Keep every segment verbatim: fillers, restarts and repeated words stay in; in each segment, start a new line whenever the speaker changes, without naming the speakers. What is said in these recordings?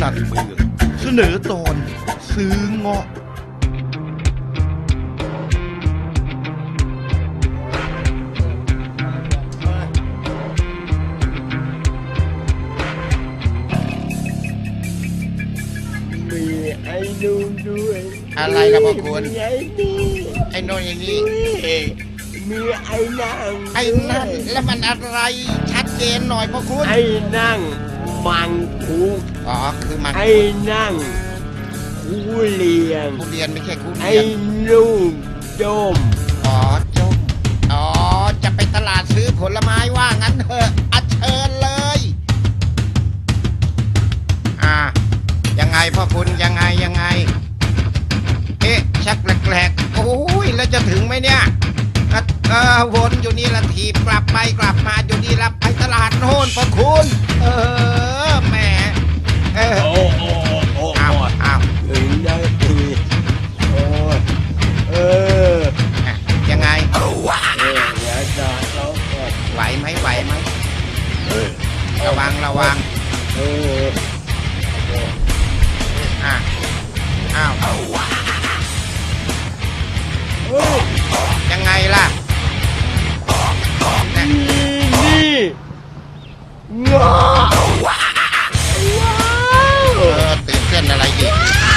นันเมืองเสนอตอนซื้อเงาะ
มีไอ้นู่นด้วย
อะไรล่ะพ่อคุณ
มีไอ้นี่
ไอ้โน่นไอ้นี่
มีไอ้นั่ง
ไอ้นั่นแล้วมันอะไรชัดเจนหน่อยพ่อคุณ
ไอ้นั่งมังคุด
อ๋อคือมัน
ไอ้นั่งทุเรียน
ทุเรียนไม่ใช่ทุ
ไอ้
เรียน
นุ่มดม
อ๋อจมอ๋อจะไปตลาดซื้อผลไม้ว่างั้นเถอะอัญเชิญเลยอ่ายังไงพ่อคุณยังไงยังไงเอ๊ะชักแปลกๆโอ้ยแล้วจะถึงไหมเนี่ยเออวนอยู่นี่ละทีกลับไปกลับมาอยู่นี่ละไปตลาดโน่นพ่อคุณเออแหมเออ
โอ้โอ้โอ้
อ้าวอ้าว
ถึงได้ทีโอ้ยเออ
ยังไง
เออเดี๋ยวจะเราก็
ไหวไหมไหวไหม
เออ
ระวังระวัง
เออ
อ่ะอ้าว
เฮ้ย
ยังไงล่ะเนี่ย
นี่งอว้าว
เออตื่นเต้นอะไรอีก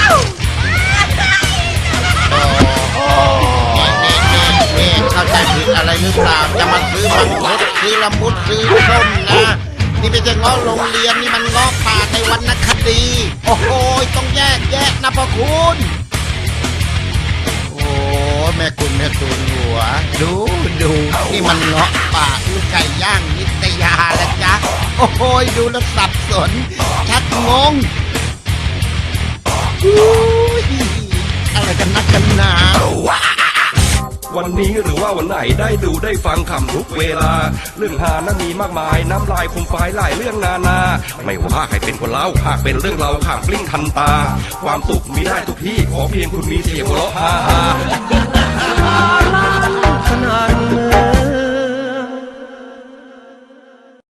โอ้นี่นี่นี่นี่เข้าใจผิดอะไรหรือเปล่าจะมาซื้อมังคุดซื้อละมุดซื้อส้มนะนี่ไม่ใช่เงาะโรงเรียนนี่มันเงาะป่าในวรรณคดีโอ้โหต้องแยกแยะนะพ่อคุณโอ้แม่คุณแม่ตูนหัวดูดูนี่มันเงาะป่าลูกไก่ย่างนิตยาละจ๊ะโอ้โหดูแล้วสับสนชักงงอุ้ยอะไรกันนักกันหนา
วันนี้หรือว่าวันไหนได้ดูได้ฟังคำทุกเวลา เรื่องหานั้นมีมากมายน้ำลายคมฝายหลายเรื่องนานา ไม่ว่าใครเป็นคนเล่าหากเป็นเรื่องเราข่างปลิ้งทันตา ความสุขมีได้ทุกที่ขอเพียงคุณมีเสียงหัวเราะฮาฮา
ขนาดเมื